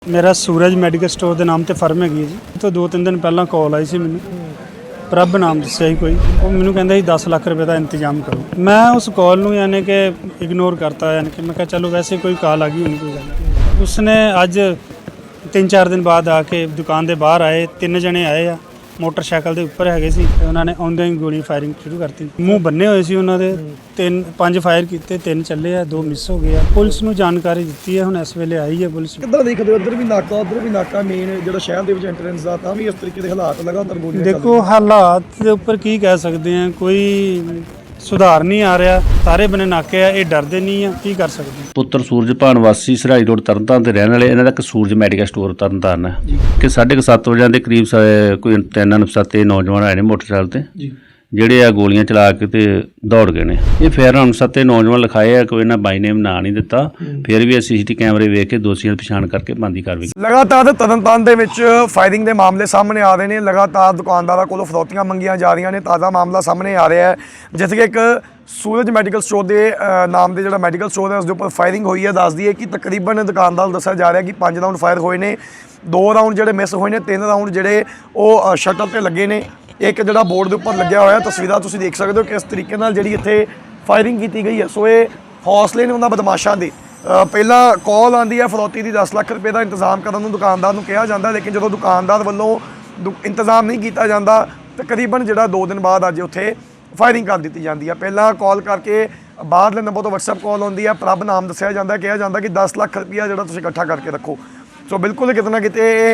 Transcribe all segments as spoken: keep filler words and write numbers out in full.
मेरा सूरज medical store के नाम से फर्म हैगी जी। तो दो तीन दिन पहला कॉल आई सी मैनू, प्रभ नाम दस्या ही कोई, वो मैनू कहता जी दस लाख रुपये का इंतजाम करो। मैं उस कॉल नूं यानी कि इग्नोर करता, यानी कि मैं कहा चलो वैसे कोई कॉल आ गई होनी कोई गल। उसने अज तीन चार दिन बाद आके दुकान के बाहर आए, तीन जने आए आ, मोटरसाइकिल के उपर है सी, उन्होंने आउंदे ही गोली फायरिंग शुरू करती। मूँह बन्ने हुए सी उन्होंने, तीन पांच फायर किए, तीन चले आ, दो मिस हो गए। पुलिस नूं जानकारी दी है, हुण इस वेले आई है पुलिस। किद्दां देखदे हो इधर भी नाका उधर भी नाका मेन ਜਿਹੜਾ ਸ਼ਹਿਰ ਦੇ ਵਿੱਚ ਐਂਟਰੈਂਸ ਦਾ ਤਾਂ ਵੀ ਇਸ ਤਰੀਕੇ ਦੇ ਹਾਲਾਤ ਲਗਾਤਾਰ ਗੋਲੀਆਂ देखो हालात ਦੇ ਉੱਪਰ ਕੀ ਕਹਿ ਸਕਦੇ ਆ, ਕੋਈ ਸੁਧਾਰ ਨਹੀਂ ਆ ਰਿਹਾ। ਸਾਰੇ ਬਨੇ ਨਾਕੇ ਆ, ਇਹ ਡਰਦੇ ਨਹੀਂ ਆ, ਕੀ ਕਰ ਸਕਦੇ। ਪੁੱਤਰ ਸੂਰਜਭਾਨ ਵਾਸੀ ਸਰਾਈ ਰੋਡ ਤਰਨਤਾਰਨ ਦੇ ਰਹਿਣ ਵਾਲੇ, ਇਹਨਾਂ ਦਾ ਇੱਕ ਸੂਰਜ ਮੈਡੀਕਲ ਸਟੋਰ ਤਰਨਤਾਰਨ ਹੈ ਕਿ ਸਾਢੇ ਕੁ ਸੱਤ ਵਜੇ ਦੇ ਕਰੀਬ ਕੋਈ ਤਿੰਨ ਅਣਪਛਾਤੇ ਨੌਜਵਾਨ ਆਏ ਨੇ ਮੋਟਰਸਾਈਕਲ ਤੇ, ਜਿਹੜੇ ਆ ਗੋਲੀਆਂ ਚਲਾ ਕੇ ਤੇ ਦੌੜ ਗਏ ਨੇ। ਇਹ ਫਿਰ ਅਣਪਛਾਤੇ ਨੌਜਵਾਨ ਲਿਖਾਏ ਆ, ਕੋਈ ਇਹਨਾਂ ਬਾਈ ਨੇਮ ਨਾਂ ਨਹੀਂ ਦਿੱਤਾ, ਫਿਰ ਵੀ ਅਸੀਂ ਸੀਸੀਟੀ ਕੈਮਰੇ ਵੇਖ ਕੇ ਦੋਸ਼ੀਆਂ ਦੀ ਪਛਾਣ ਕਰਕੇ ਬਣਦੀ ਕਾਰਵਾਈ। ਲਗਾਤਾਰ ਤਰਨਤਾਰਨ ਦੇ ਵਿੱਚ ਫਾਇਰਿੰਗ ਦੇ ਮਾਮਲੇ ਸਾਹਮਣੇ ਆ ਰਹੇ ਨੇ। ਲਗਾਤਾਰ ਦੁਕਾਨਦਾਰਾਂ ਕੋਲੋਂ ਫਰੌਤੀਆਂ ਮੰਗੀਆਂ ਜਾ ਰਹੀਆਂ ਨੇ। ਤਾਜ਼ਾ ਮਾਮਲਾ ਸਾਹਮਣੇ ਆ ਰਿਹਾ ਹੈ ਜਿੱਥੇ ਕਿ ਇੱਕ ਸੂਰਜ ਮੈਡੀਕਲ ਸਟੋਰ ਦੇ ਨਾਮ ਦੇ ਜਿਹੜਾ ਮੈਡੀਕਲ ਸਟੋਰ ਹੈ ਉਸ ਦੇ ਉੱਪਰ ਫਾਇਰਿੰਗ ਹੋਈ ਹੈ। ਦੱਸਦੀ ਹੈ ਕਿ ਤਕਰੀਬਨ ਦੁਕਾਨਦਾਰ ਨੂੰ ਦੱਸਿਆ ਜਾ ਰਿਹਾ ਕਿ ਪੰਜ ਰਾਊਂਡ ਫਾਇਰ ਹੋਏ ਨੇ, ਦੋ ਰਾਊਂਡ ਜਿਹੜੇ ਮਿਸ ਹੋਏ ਨੇ, ਤਿੰਨ ਰਾਊਂਡ ਜਿਹੜੇ ਉਹ ਸ਼ਟਰ ਤੇ ਲੱਗੇ ਨੇ। ਇੱਕ ਜਿਹੜਾ ਬੋਰਡ ਦੇ ਉੱਪਰ ਲੱਗਿਆ ਹੋਇਆ ਤਸਵੀਰਾਂ ਤੁਸੀਂ ਦੇਖ ਸਕਦੇ ਹੋ ਕਿਸ ਤਰੀਕੇ ਨਾਲ ਜਿਹੜੀ ਇੱਥੇ ਫਾਇਰਿੰਗ ਕੀਤੀ ਗਈ ਹੈ। ਸੋ ਇਹ ਹੌਸਲੇ ਨੇ ਉਹਨਾਂ ਬਦਮਾਸ਼ਾਂ ਦੇ। ਪਹਿਲਾਂ ਕਾਲ ਆਉਂਦੀ ਹੈ ਫਰੌਤੀ ਦੀ, ਦਸ ਲੱਖ ਰੁਪਏ ਦਾ ਇੰਤਜ਼ਾਮ ਕਰਨ ਨੂੰ ਦੁਕਾਨਦਾਰ ਨੂੰ ਕਿਹਾ ਜਾਂਦਾ, ਲੇਕਿਨ ਜਦੋਂ ਦੁਕਾਨਦਾਰ ਵੱਲੋਂ ਇੰਤਜ਼ਾਮ ਨਹੀਂ ਕੀਤਾ ਜਾਂਦਾ ਤਕਰੀਬਨ ਜਿਹੜਾ ਦੋ ਦਿਨ ਬਾਅਦ ਅੱਜ ਉੱਥੇ ਫਾਇਰਿੰਗ ਕਰ ਦਿੱਤੀ ਜਾਂਦੀ ਹੈ। ਪਹਿਲਾਂ ਕਾਲ ਕਰਕੇ ਬਾਹਰਲੇ ਨੰਬਰ ਤੋਂ ਵਟਸਐਪ ਕਾਲ ਆਉਂਦੀ ਹੈ, ਪ੍ਰਭ ਨਾਮ ਦੱਸਿਆ ਜਾਂਦਾ, ਕਿਹਾ ਜਾਂਦਾ ਕਿ ਦਸ ਲੱਖ ਰੁਪਈਆ ਜਿਹੜਾ ਤੁਸੀਂ ਇਕੱਠਾ ਕਰਕੇ ਰੱਖੋ। ਸੋ ਬਿਲਕੁਲ ਕਿਤੇ ਨਾ ਕਿਤੇ ਇਹ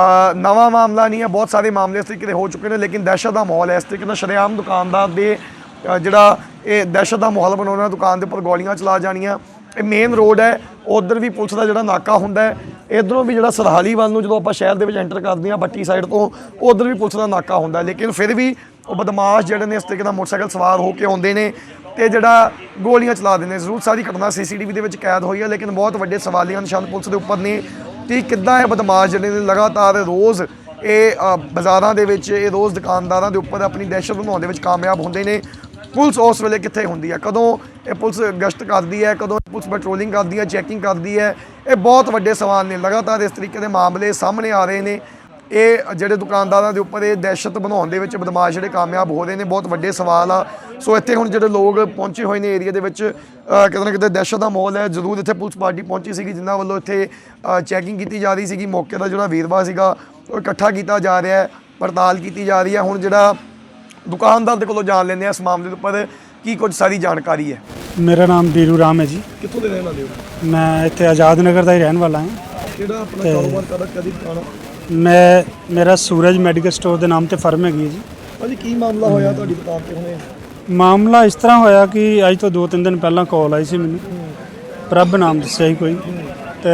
ਨਵਾਂ ਮਾਮਲਾ ਨਹੀਂ ਹੈ, ਬਹੁਤ ਸਾਰੇ ਮਾਮਲੇ ਇਸ ਤਰੀਕੇ ਦੇ ਹੋ ਚੁੱਕੇ ਨੇ, ਲੇਕਿਨ ਦਹਿਸ਼ਤ ਦਾ ਮਾਹੌਲ ਹੈ। ਇਸ ਤਰੀਕੇ ਨਾਲ ਸ਼ਰੇਆਮ ਦੁਕਾਨਦਾਰ ਦੇ ਜਿਹੜਾ ਇਹ ਦਹਿਸ਼ਤ ਦਾ ਮਾਹੌਲ ਬਣਾਉਣਾ, ਦੁਕਾਨ ਦੇ ਉੱਪਰ ਗੋਲੀਆਂ ਚਲਾ ਜਾਣੀਆਂ। ਇਹ ਮੇਨ ਰੋਡ ਹੈ, ਉੱਧਰ ਵੀ ਪੁਲਿਸ ਦਾ ਜਿਹੜਾ ਨਾਕਾ ਹੁੰਦਾ ਹੈ, ਇੱਧਰੋਂ ਵੀ ਜਿਹੜਾ ਸਰਹਾਲੀ ਵੱਲ ਨੂੰ ਜਦੋਂ ਆਪਾਂ ਸ਼ਹਿਰ ਦੇ ਵਿੱਚ ਐਂਟਰ ਕਰਦੇ ਹਾਂ ਬੱਟੀ ਸਾਈਡ ਤੋਂ, ਉੱਧਰ ਵੀ ਪੁਲਿਸ ਦਾ ਨਾਕਾ ਹੁੰਦਾ, ਲੇਕਿਨ ਫਿਰ ਵੀ ਉਹ ਬਦਮਾਸ਼ ਜਿਹੜੇ ਨੇ ਇਸ ਤਰੀਕੇ ਨਾਲ ਮੋਟਰਸਾਈਕਲ ਸਵਾਰ ਹੋ ਕੇ ਆਉਂਦੇ ਨੇ ਤੇ ਜਿਹੜਾ ਗੋਲੀਆਂ ਚਲਾ ਦਿੰਦੇ ਨੇ। ਜ਼ਰੂਰ ਸਾਰੀ ਘਟਨਾ ਸੀ ਸੀ ਟੀ ਵੀ ਦੇ ਵਿੱਚ ਕੈਦ ਹੋਈ ਹੈ, ਲੇਕਿਨ ਬਹੁਤ ਵੱਡੇ ਸਵਾਲੀਆ ਨਿਸ਼ਾਨ ਪੁਲਿਸ ਦੇ ਉੱਪਰ ਨੇ ਕਿ ਕਿੱਦਾਂ ਇਹ ਬਦਮਾਸ਼ ਜਿਹੜੇ ਨੇ ਲਗਾਤਾਰ ਰੋਜ਼ ਇਹ ਬਾਜ਼ਾਰਾਂ ਦੇ ਵਿੱਚ, ਇਹ ਰੋਜ਼ ਦੁਕਾਨਦਾਰਾਂ ਦੇ ਉੱਪਰ ਆਪਣੀ ਦਹਿਸ਼ਤ ਬਣਾਉਣ ਦੇ ਵਿੱਚ ਕਾਮਯਾਬ ਹੁੰਦੇ ਨੇ। ਪੁਲਿਸ ਉਸ ਵੇਲੇ ਕਿੱਥੇ ਹੁੰਦੀ ਹੈ, ਕਦੋਂ ਇਹ ਪੁਲਿਸ ਗਸ਼ਤ ਕਰਦੀ ਹੈ, ਕਦੋਂ ਪੁਲਿਸ ਪੈਟਰੋਲਿੰਗ ਕਰਦੀ ਹੈ, ਚੈਕਿੰਗ ਕਰਦੀ ਹੈ, ਇਹ ਬਹੁਤ ਵੱਡੇ ਸਵਾਲ ਨੇ। ਲਗਾਤਾਰ ਇਸ ਤਰੀਕੇ ਦੇ ਮਾਮਲੇ ਸਾਹਮਣੇ ਆ ਰਹੇ ਨੇ। ਇਹ ਜਿਹੜੇ ਦੁਕਾਨਦਾਰਾਂ ਦੇ ਉੱਪਰ ਇਹ ਦਹਿਸ਼ਤ ਬਣਾਉਣ ਦੇ ਵਿੱਚ ਬਦਮਾਸ਼ ਜਿਹੜੇ ਕਾਮਯਾਬ ਹੋ ਰਹੇ ਨੇ, ਬਹੁਤ ਵੱਡੇ ਸਵਾਲ ਆ। ਸੋ ਇੱਥੇ ਹੁਣ ਜਿਹੜੇ ਲੋਕ ਪਹੁੰਚੇ ਹੋਏ ਨੇ ਏਰੀਆ ਦੇ ਵਿੱਚ, ਕਿਤੇ ਨਾ ਕਿਤੇ ਦਹਿਸ਼ਤ ਦਾ ਮਾਹੌਲ ਹੈ। ਜ਼ਰੂਰ ਇੱਥੇ ਪੁਲਿਸ ਪਾਰਟੀ ਪਹੁੰਚੀ ਸੀਗੀ ਜਿਨ੍ਹਾਂ ਵੱਲੋਂ ਇੱਥੇ ਚੈਕਿੰਗ ਕੀਤੀ ਜਾ ਰਹੀ ਸੀਗੀ। ਮੌਕੇ ਦਾ ਜਿਹੜਾ ਵੇਰਵਾ ਸੀਗਾ ਉਹ ਇਕੱਠਾ ਕੀਤਾ ਜਾ ਰਿਹਾ ਹੈ, ਪੜਤਾਲ ਕੀਤੀ ਜਾ ਰਹੀ ਹੈ। ਹੁਣ ਜਿਹੜਾ ਦੁਕਾਨਦਾਰ ਦੇ ਕੋਲੋਂ ਜਾਣ ਲੈਂਦੇ ਆ ਇਸ ਮਾਮਲੇ ਦੇ ਉੱਪਰ ਕੀ ਕੁਝ ਸਾਰੀ ਜਾਣਕਾਰੀ ਹੈ। ਮੇਰਾ ਨਾਮ ਬੀਰੂ ਰਾਮ ਹੈ ਜੀ। ਕਿੱਥੋਂ ਦੇ ਰਹਿਣ ਵਾਲੇ ਹੋ? ਮੈਂ ਇੱਥੇ ਆਜ਼ਾਦ ਨਗਰ ਦਾ ਹੀ ਰਹਿਣ ਵਾਲਾ ਹਾਂ। ਕਿਹੜਾ ਆਪਣਾ ਕਾਰੋਬਾਰ ਕਰਦਾ, ਕਦੀ ਦੁਕਾਨ? ਮੈਂ ਮੇਰਾ सूरज मैडिकल स्टोर के नाम से फर्म हैगी जी। ਭਾਜੀ ਕੀ ਮਾਮਲਾ ਹੋਇਆ ਤੁਹਾਡੀ ਦੁਕਾਨ ਤੇ ਹੁਣੇ? मामला इस तरह होया कि अज तो दो तीन दिन पहला कॉल आई सी मैनू, प्रभ नाम दस्या ही कोई, तो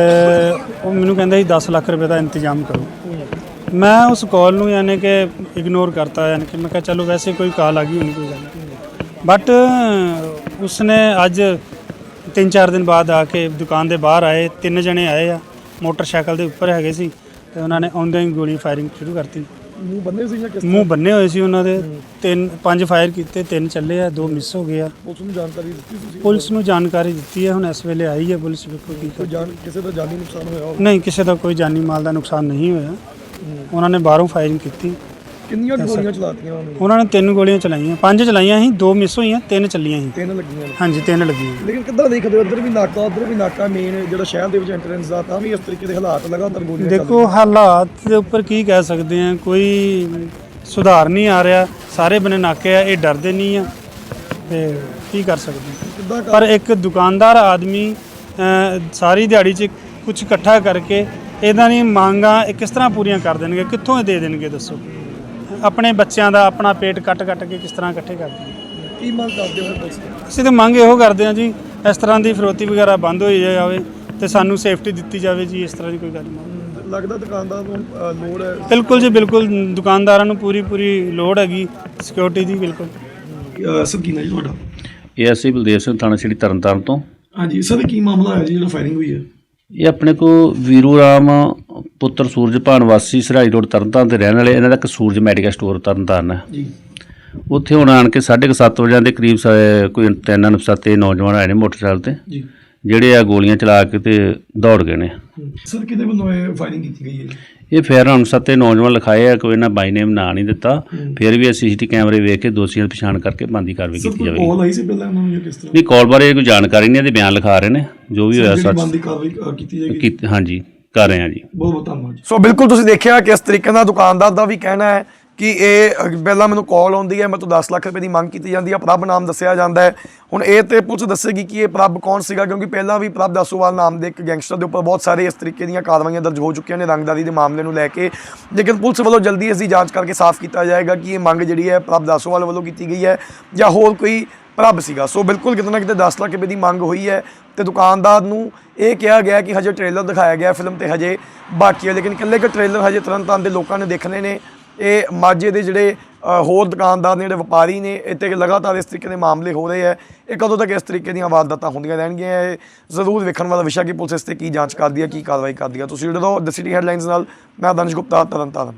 वो मैनू कहता जी दस लाख रुपये का इंतजाम करो। मैं उस कॉल नूं यानी कि इग्नोर करता, यानी कि मैं कहा चलो वैसे कोई कॉल आ गई होनी कोई गल। बट उसने अज तीन चार दिन बाद आके दुकान के बाहर आए, तीन जने आए आ, मोटरसाइकिल के उपर है सी, तो उन्होंने आउंदे ही गोली फायरिंग शुरू करती। ਮੂੰਹ ਬੰਨੇ ਸੀ ਜਾਂ ਕਿਸ? ਮੂੰਹ ਬੰਨੇ ਹੋਏ ਸੀ ਉਹਨਾਂ ਦੇ, ਤਿੰਨ ਪੰਜ ਫਾਇਰ ਕੀਤੇ, ਤਿੰਨ ਚੱਲੇ ਆ, ਦੋ ਮਿਸ ਹੋ ਗਏ ਆ। ਪੁਲਿਸ ਨੂੰ ਜਾਣਕਾਰੀ ਦਿੱਤੀ ਤੁਸੀਂ? ਪੁਲਿਸ ਨੂੰ ਜਾਣਕਾਰੀ ਦਿੱਤੀ ਹੈ, ਹੁਣ ਇਸ ਵੇਲੇ ਆਈ ਹੈ ਪੁਲਿਸ। ਵੇਖੋ ਕੀ ਕੋਈ ਜਾਨ ਕਿਸੇ ਦਾ ਜਾਨੀ ਨੁਕਸਾਨ ਹੋਇਆ ਹੋਵੇ? ਨਹੀਂ, ਕਿਸੇ ਦਾ ਕੋਈ ਜਾਨੀ ਮਾਲ ਦਾ ਨੁਕਸਾਨ ਨਹੀਂ ਹੋਇਆ। ਉਹਨਾਂ ਨੇ ਬਾਹਰੋਂ ਫਾਇਰਿੰਗ ਕੀਤੀ। ਕਿੰਨੀਆਂ ਗੋਲੀਆਂ ਚਲਾਤੀਆਂ ਉਹਨੇ? ਉਹਨਾਂ ਨੇ ਤਿੰਨ ਗੋਲੀਆਂ ਚਲਾਈਆਂ, ਪੰਜ ਚਲਾਈਆਂ ਸੀ, ਦੋ ਮਿਸ ਹੋਈਆਂ, ਤਿੰਨ ਚੱਲੀਆਂ ਸੀ। ਤਿੰਨ ਲੱਗੀਆਂ ਨੇ? ਹਾਂਜੀ, ਤਿੰਨ ਲੱਗੀਆਂ। ਲੇਕਿਨ ਕਿੱਦਾਂ ਦੇਖਦੇ ਹੋ ਇੱਧਰ ਵੀ ਨਾਕਾ ਉੱਧਰ ਵੀ ਨਾਕਾ ਮੇਨ ਜਿਹੜਾ ਸ਼ਹਿਰ ਦੇ ਵਿੱਚ ਐਂਟਰੈਂਸ ਦਾ ਤਾਂ ਵੀ ਇਸ ਤਰੀਕੇ ਦੇ ਹਾਲਾਤ ਲਗਾਤਾਰ ਗੋਲੀਆਂ? ਦੇਖੋ ਹਾਲਾਤ ਦੇ ਉੱਪਰ ਕੀ ਕਹਿ ਸਕਦੇ ਆ, ਕੋਈ ਸੁਧਾਰ ਨਹੀਂ ਆ ਰਿਹਾ। ਸਾਰੇ ਬਨੇ ਨਾਕੇ ਆ, ਇਹ ਡਰਦੇ ਨਹੀਂ ਆ, ਤੇ ਕੀ ਕਰ ਸਕਦੇ। ਪਰ ਇੱਕ ਦੁਕਾਨਦਾਰ ਆਦਮੀ ਸਾਰੀ ਦਿਹਾੜੀ 'ਚ ਕੁਝ ਇਕੱਠਾ ਕਰਕੇ ਇਹਨਾਂ ਦੀ ਮੰਗਾਂ ਇਹ ਕਿਸ ਤਰ੍ਹਾਂ ਪੂਰੀਆਂ ਕਰ ਦੇਣਗੇ, ਕਿੱਥੋਂ ਇਹ ਦੇ ਦੇਣਗੇ ਦੱਸੋ। ਆਪਣੇ ਬੱਚਿਆਂ ਦਾ ਆਪਣਾ ਪੇਟ ਕੱਟ ਕੱਟ ਕੇ ਕਿਸ ਤਰ੍ਹਾਂ ਇਕੱਠੇ ਕਰਦੇ। ਕੀ ਮੰਗ ਕਰਦੇ ਹੋ ਪੁਲਿਸ? ਅਸੀਂ ਤਾਂ ਮੰਗ ਇਹੋ ਕਰਦੇ ਹਾਂ ਜੀ, ਇਸ ਤਰ੍ਹਾਂ ਦੀ ਫਰੋਤੀ ਵਗੈਰਾ ਬੰਦ ਹੋਈ ਜਾਵੇ ਤੇ ਸਾਨੂੰ ਸੇਫਟੀ ਦਿੱਤੀ ਜਾਵੇ ਜੀ। ਇਸ ਤਰ੍ਹਾਂ ਦੀ ਕੋਈ ਗੱਲ ਨਹੀਂ। ਲੱਗਦਾ ਦੁਕਾਨਦਾਰ ਨੂੰ ਲੋੜ ਹੈ? ਬਿਲਕੁਲ ਜੀ, ਬਿਲਕੁਲ ਦੁਕਾਨਦਾਰਾਂ ਨੂੰ ਪੂਰੀ ਪੂਰੀ ਲੋੜ ਹੈਗੀ ਸਿਕਿਉਰਿਟੀ ਦੀ। ਬਿਲਕੁਲ। ਸਰ ਕੀ ਨਾਮ ਜੀ ਤੁਹਾਡਾ? ਇਹ ਅਸੀਂ ਬਲਦੇਵ ਸਿੰਘ ਥਾਣਾ ਸਿਟੀ ਤਰਨਤਾਰਨ ਤੋਂ। ਹਾਂਜੀ ਸਰ, ਕੀ ਮਾਮਲਾ ਹੈ ਜੀ ਜਿਹੜਾ ਫਾਇਰਿੰਗ ਹੋਈ ਹੈ? ਇਹ ਆਪਣੇ ਕੋ ਵੀਰੂ ਰਾਮ ਪੁੱਤਰ ਸੂਰਜਭਾਨ ਵਾਸੀ ਸਰਾਈ ਰੋਡ ਤਰਨਤਾਰਨ ਦੇ ਰਹਿਣ ਵਾਲੇ, ਇਹਨਾਂ ਦਾ ਇੱਕ ਸੂਰਜ ਮੈਡੀਕਲ ਸਟੋਰ ਤਰਨਤਾਰਨ ਹੈ ਜੀ। ਉੱਥੇ ਹੁਣ ਆਣ ਕੇ ਸਾਢੇ ਕੁ ਸੱਤ ਵਜੇ ਦੇ ਕਰੀਬ ਕੋਈ ਤਿੰਨ ਅਣਪਛਾਤੇ ਨੌਜਵਾਨ ਆਏ ਨੇ ਮੋਟਰਸਾਈਕਲ ਤੇ, ਜਿਹੜੇ ਆ ਗੋਲੀਆਂ ਚਲਾ ਕੇ ਤੇ ਦੌੜ ਗਏ ਨੇ। ਸਰ ਕਿਹਦੇ ਵੱਲੋਂ ਇਹ ਫਾਇਰਿੰਗ ਕੀਤੀ ਗਈ ਹੈ? ਇਹ ਫੇਰ ਅਨੁਸਾਰ ਤੇ ਨੌਜਵਾਨ ਲਿਖਾਏ ਆ, ਕੋਈ ਇਹਨਾਂ ਬਾਈ ਨੇਮ ਨਾਂ ਨਹੀਂ ਦਿੱਤਾ। ਫਿਰ ਵੀ ਅਸੀਂ ਸੀਸੀਟੀ ਕੈਮਰੇ ਵੇਖ ਕੇ ਦੋਸ਼ੀਆਂ ਦੀ ਪਛਾਣ ਕਰਕੇ ਬਣਦੀ ਕਾਰਵਾਈ ਕੀਤੀ ਜਾਵੇਗੀ। ਕਾਲ ਆਈ ਸੀ ਪਹਿਲਾਂ ਉਹਨਾਂ ਨੂੰ ਜਾਂ ਕਿਸ ਤਰ੍ਹਾਂ? ਨਹੀਂ, ਕਾਲ ਬਾਰੇ ਕੋਈ ਜਾਣਕਾਰੀ ਨਹੀਂ, ਇਹਦੇ ਬਿਆਨ ਲਿਖਾ ਰਹੇ ਨੇ, ਜੋ ਵੀ ਹੋਇਆ ਸੱਚ ਬਣਦੀ ਕਾਰਵਾਈ ਕੀਤੀ ਜਾਏਗੀ। ਕੀਤੀ, ਹਾਂਜੀ ਕਰ ਰਹੇ ਹਾਂ ਜੀ। ਬਹੁਤ ਬਹੁਤ ਧੰਨਵਾਦ। ਸੋ ਬਿਲਕੁਲ ਤੁਸੀਂ ਦੇਖਿਆ ਕਿ ਇਸ ਤਰੀਕੇ ਨਾਲ ਦੁਕਾਨਦਾਰ ਦਾ ਵੀ ਕਹਿਣਾ ਹੈ ਕਿ ਇਹ ਪਹਿਲਾਂ ਮੈਨੂੰ ਕਾਲ ਆਉਂਦੀ ਹੈ, ਮੇਰੇ ਤੋਂ ਦਸ ਲੱਖ ਰੁਪਏ ਦੀ ਮੰਗ ਕੀਤੀ ਜਾਂਦੀ ਹੈ, ਪ੍ਰਭ ਨਾਮ ਦੱਸਿਆ ਜਾਂਦਾ ਹੈ। ਹੁਣ ਇਹ ਤੇ ਪੁਲਿਸ ਦੱਸੇਗੀ ਕਿ ਇਹ ਪ੍ਰਭ ਕੌਣ ਸੀਗਾ, ਕਿਉਂਕਿ ਪਹਿਲਾਂ ਵੀ ਪ੍ਰਭ ਦਾਸੋਵਾਲ ਨਾਮ ਦੇ ਇੱਕ ਗੈਂਗਸਟਰ ਦੇ ਉੱਪਰ ਬਹੁਤ ਸਾਰੇ ਇਸ ਤਰੀਕੇ ਦੀਆਂ ਕਾਰਵਾਈਆਂ ਦਰਜ ਹੋ ਚੁੱਕੀਆਂ ਨੇ ਰੰਗਦਾਰੀ ਦੇ ਮਾਮਲੇ ਨੂੰ ਲੈ ਕੇ। ਲੇਕਿਨ ਪੁਲਿਸ ਵੱਲੋਂ ਜਲਦੀ ਇਸ ਦੀ ਜਾਂਚ ਕਰਕੇ ਸਾਫ਼ ਕੀਤਾ ਜਾਏਗਾ ਕਿ ਇਹ ਮੰਗ ਜਿਹੜੀ ਹੈ ਪ੍ਰਭ ਦਾਸੋਵਾਲ ਵੱਲੋਂ ਕੀਤੀ ਗਈ ਹੈ ਜਾਂ ਹੋਰ ਕੋਈ ਪ੍ਰਭ ਸੀਗਾ। ਸੋ ਬਿਲਕੁਲ ਕਿਤੇ ਨਾ ਕਿਤੇ ਦਸ ਲੱਖ ਰੁਪਏ ਦੀ ਮੰਗ ਹੋਈ ਹੈ ਤੇ ਦੁਕਾਨਦਾਰ ਨੂੰ ਇਹ ਕਿਹਾ ਗਿਆ ਕਿ ਹਜੇ ਟ੍ਰੇਲਰ ਦਿਖਾਇਆ ਗਿਆ ਫਿਲਮ ਤੇ ਹਜੇ ਬਾਕੀ ਹੈ, ਲੇਕਿਨ ਇਕੱਲੇ ਕਿ ਟ੍ਰੇਲਰ ਹਜੇ ਤਰਨਤਾਰਨ ਦੇ ਲੋਕਾਂ ਨੇ ਦੇਖਣੇ ਨੇ। ਇਹ ਮਾਝੇ ਦੇ ਜਿਹੜੇ ਹੋਰ ਦੁਕਾਨਦਾਰ ਨੇ, ਜਿਹੜੇ ਵਪਾਰੀ ਨੇ, ਇੱਥੇ ਲਗਾਤਾਰ ਇਸ ਤਰੀਕੇ ਦੇ ਮਾਮਲੇ ਹੋ ਰਹੇ ਹੈ। ਇਹ ਕਦੋਂ ਤੱਕ ਇਸ ਤਰੀਕੇ ਦੀਆਂ ਵਾਰਦਾਤਾਂ ਹੁੰਦੀਆਂ ਰਹਿਣਗੀਆਂ, ਇਹ ਜ਼ਰੂਰ ਵੇਖਣ ਵਾਲਾ ਵਿਸ਼ਾ ਕਿ ਪੁਲਿਸ ਇਸ 'ਤੇ ਕੀ ਜਾਂਚ ਕਰਦੀ ਹੈ, ਕੀ ਕਾਰਵਾਈ ਕਰਦੀ ਹੈ। ਤੁਸੀਂ ਜੁੜੇ ਰਹੋ ਦ ਸਿਟੀ ਹੈਡਲਾਈਨਸ ਨਾਲ। ਮੈਂ ਦਾਨਿਸ਼ ਗੁਪਤਾ, ਤਰਨਤਾਰਨ।